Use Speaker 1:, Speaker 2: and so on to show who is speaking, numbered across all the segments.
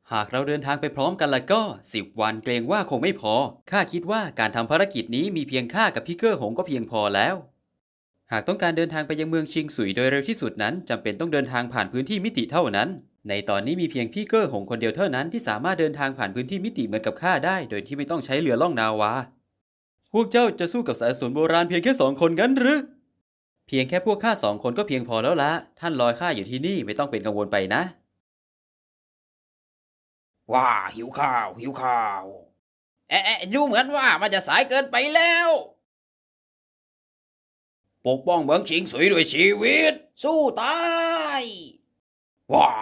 Speaker 1: หากเราเดินทางไปพร้อมกันแล้วก็10 วันเกรงว่าคงไม่พอข้าคิดว่าการทำภารกิจนี้มีเพียงข้ากับพี่เกอร์หงก็เพียงพอแล้วหากต้องการเดินทางไปยังเมืองชิงสุยโดยเร็วที่สุดนั้นจำเป็นต้องเดินทางผ่านพื้นที่มิติเท่านั้นในตอนนี้มีเพียงพี่เกอร์หงคนเดียวเท่านั้นที่สามารถเดินทางผ่านพื้นที่มิติเหมือนกับข้าได้โดยที่ไม่ต้องใช้เรือล่องนาวาพวกเจ้าจะสู้กับสายสนโบราณเพียงแค่2 คนงั้นหรือเพียงแค่พวกข้า2 คนก็เพียงพอแล้วละท่านลอยข้าอยู่ที่นี่ไม่ต้องเป็นกังวลไปนะ
Speaker 2: ว้าหิวข้าวหิวข้าวดูเหมือนว่ามันจะสายเกินไปแล้วปกป้องเมืองชิงสุยด้วยชีวิตสู้ตายว้า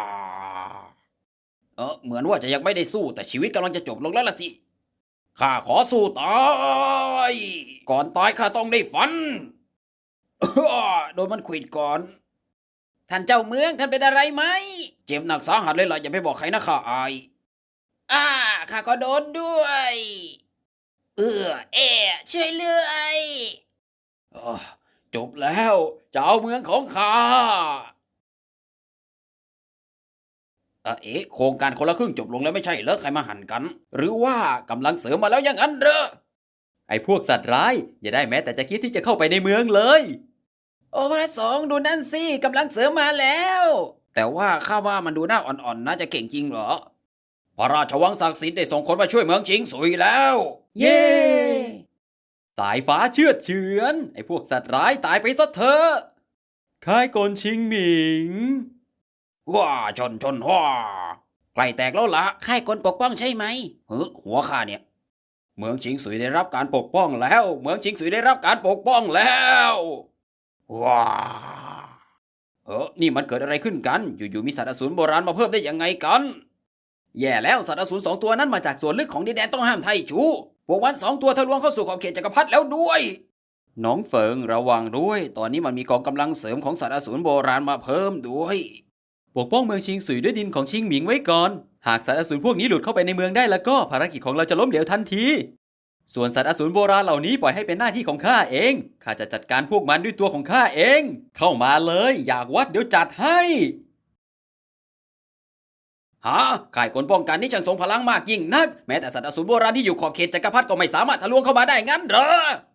Speaker 2: เหมือนว่าจะยังไม่ได้สู้แต่ชีวิตกำลังจะจบลงแล้วล่ะสิข้าขอสู้ตายก่อนตายข้าต้องได้ฟัน โดนมันขวิดก่อนท่านเจ้าเมืองท่านเป็นอะไรไหมเจ็บหนักสาหัสเลยล่ะอย่าไปบอกใครนะข้าอายข้าก็โดนด้วยช่วยเลยจบแล้วเจ้าเมืองของข้าโครงการคนละครึ่งจบลงแล้วไม่ใช่เหรอใครมาหั่นกัน หรือว่ากำลังเสริมมาแล้วอย่างนั้นเหรอ
Speaker 1: ไอ้พวกสัตว์ร้ายอย่าได้แม้แต่จะคิดที่จะเข้าไปในเมืองเลย
Speaker 2: โอ้พระสงฆ์ดูนั่นสิกำลังเสริมมาแล้ว แต่ว่าข้าว่ามันดูหน้าอ่อนๆน่าจะเก่งจริงเหรอพระราชวังศักดิ์สิทธิ์ได้ส่งคนมาช่วยเมืองชิงสุยแล้ว
Speaker 1: เย้สายฟ้าเชือดเฉือนไอ้พวกสัตว์ร้ายตายไปซะเถอะค่ายกลชิงหมิง
Speaker 2: ว้าชนว้าใกล้แตกแล้วละค่ายกลปกป้องใช่ไหมหัวข้าเนี่ยเมืองชิงสุยได้รับการปกป้องแล้วเมืองชิงสุยได้รับการปกป้องแล้วว้านี่มันเกิดอะไรขึ้นกันอยู่ๆมีสัตว์อสูรโบราณมาเพิ่มได้ยังไงกันแย่แล้วสัตว์อสูร2 ตัวนั้นมาจากส่วนลึกของดินแดนต้องห้ามไทจูพวกมัน2 ตัวทะลวงเข้าสู่ขอบเขตจักรพรรดิแล้วด้วยน้องเฟิงระวังด้วยตอนนี้มันมีกองกำลังเสริมของสัตว์อสูรโบราณมาเพิ่มด้วย
Speaker 1: ปกป้องเมืองชิงสุยด้วยดินของชิงหมิงไว้ก่อนหากสัตว์อสูรพวกนี้หลุดเข้าไปในเมืองได้แล้วก็ภารกิจของเราจะล้มเหลวทันทีส่วนสัตว์อสูรโบราณเหล่านี้ปล่อยให้เป็นหน้าที่ของข้าเองข้าจะจัดการพวกมันด้วยตัวของข้าเองเข้ามาเลยอยากวัดเดี๋ยวจัดให้
Speaker 2: ข่ายกลป้องกันนี่ช่างทรงพลังมากยิ่งนักแม้แต่สัตว์อสูรโบราณที่อยู่ขอบเขตจักรพรรดิก็ไม่สามารถทะลวงเข้ามาได้งั้นเหรอ